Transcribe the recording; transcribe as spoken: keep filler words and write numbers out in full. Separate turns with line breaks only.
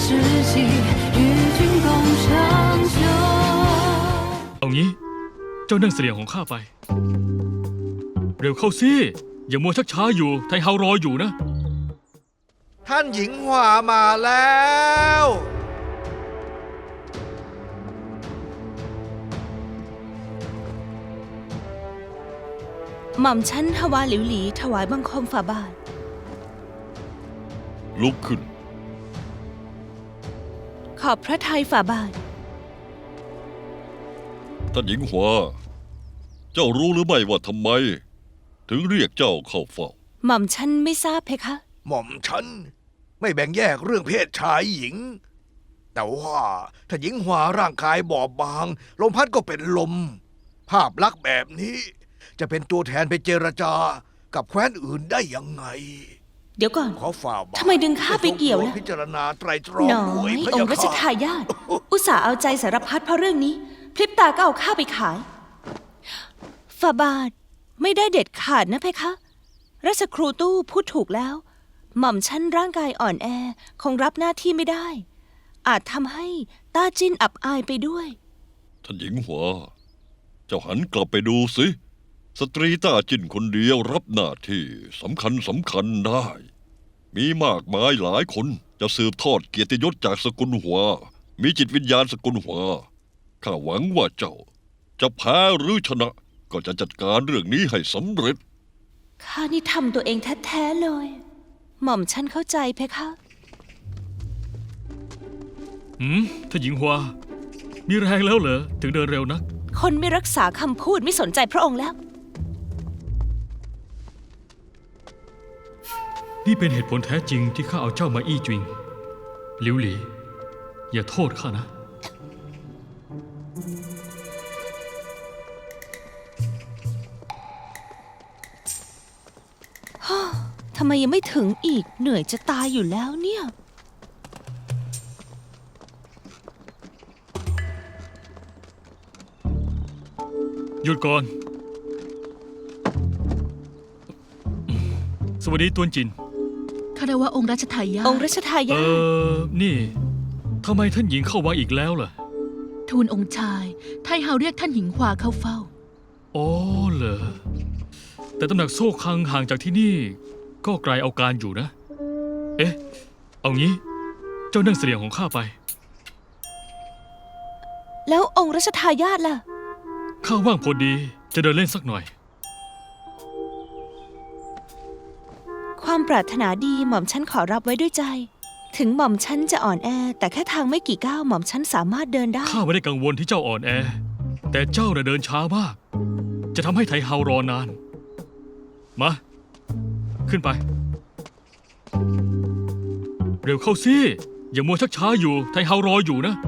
己，与君共长久。
เอางี้เจ้านั่งเสลียงของข้าไปเร็วเข้าสิอย่ามัวชักช้าอยู่ไทเฮารออยู่นะ
ท่านหญิงหวามาแล้ว
หม่อมชั้นฮวาหลิวหลีถวายบังคมฝ่าบาท
ลุกขึ้น
ขอบพระทัยฝ่าบาท
ท่านหญิงหวาเจ้ารู้หรือไม่ว่าทำไมถึงเรียกเจ้าเข้าเฝ้า
หม่อมชั้นไม่ทราบเพคะ
หม่อมฉันไม่แบ่งแยกเรื่องเพศชายหญิงแต่ว่าถ้าหญิงหวาร่างกายบอบบางลมพัดก็เป็นลมภาพลักษณ์แบบนี้จะเป็นตัวแทนไปเจรจากับแคว้นอื่นได้ยังไง
เดี๋ยวก่อน
ขอฝ่าบาท
ทำไมดึงข้าไปเกี่ยวล่ะ
พิจารณาไตรตรองด้วยพะ
อง
ยะ
ค์รัช
ค่ะ
ทายาทอุตส่าห์เอาใจสารพัดเพราะเรื่องนี้พลิบตาก็เอาข้าไปขายฝ่าบาทไม่ได้เด็ดขาดนะเพคะราชครูตู้พูดถูกแล้วหม่อมชั้นร่างกายอ่อนแอคงรับหน้าที่ไม่ได้อาจทำให้ต้าจิ้นอับอายไปด้วย
ท่านหญิงหวาเจ้าหันกลับไปดูสิสตรีต้าจินคนเดียวรับหน้าที่สำคัญสำคัญได้มีมากมายหลายคนจะสืบทอดเกียรติยศจากสกุลหัวมีจิตวิญญาณสกุลหัวข้าหวังว่าเจ้าจะแพ้หรือชนะก็จะจัดการเรื่องนี้ให้สำเร็จ
ข้านี่ทำตัวเองแท้ๆเลยหม่อมฉันเข้าใจเพคะ
หืมท่านหญิงฮวามีแรงแล้วเหรอถึงเดินเร็วนัก
คนไม่รักษาคำพูดไม่สนใจพระองค์แล้ว
นี่เป็นเหตุผลแท้จริงที่ข้าเอาเจ้ามาอี้จวิงหลิวหลีอย่าโทษข้านะ
ทำไมยังไม่ถึงอีกเหนื่อยจะตายอยู่แล้วเนี่ย
หยุดก่อนสวัสดีตวนจิน
ข้าได้ว่าองค์รัชทายาท
องค์รัชทายา
ทเออนี่ทำไมท่านหญิงเข้าวังอีกแล้วล่ะ
ทูลองค์ชายไทเฮาเรียกท่านหญิงหวาเข้าเฝ้า
อ๋อเหรอแต่ตำหนักโซ่คังห่างจากที่นี่ก็ไกลเอาการอยู่นะเอ๊ะเอางี้เจ้านั่งเสลียงของข้าไป
แล้วองค์รัชทายาทล่ะ
ข้าว่างพอดีจะเดินเล่นสักหน่อย
ความปรารถนาดีหม่อมฉันขอรับไว้ด้วยใจถึงหม่อมฉันจะอ่อนแอแต่แค่ทางไม่กี่ก้าวหม่อมฉันสามารถเดินได้
ข้าไม่ได้กังวลที่เจ้าอ่อนแอแต่เจ้าน่ะเดินช้ามากจะทำให้ไทเฮารอนานมาขึ้นไปเร็วเข้าสิอย่ามัวชักช้าอยู่ไทเฮารออยู่นะ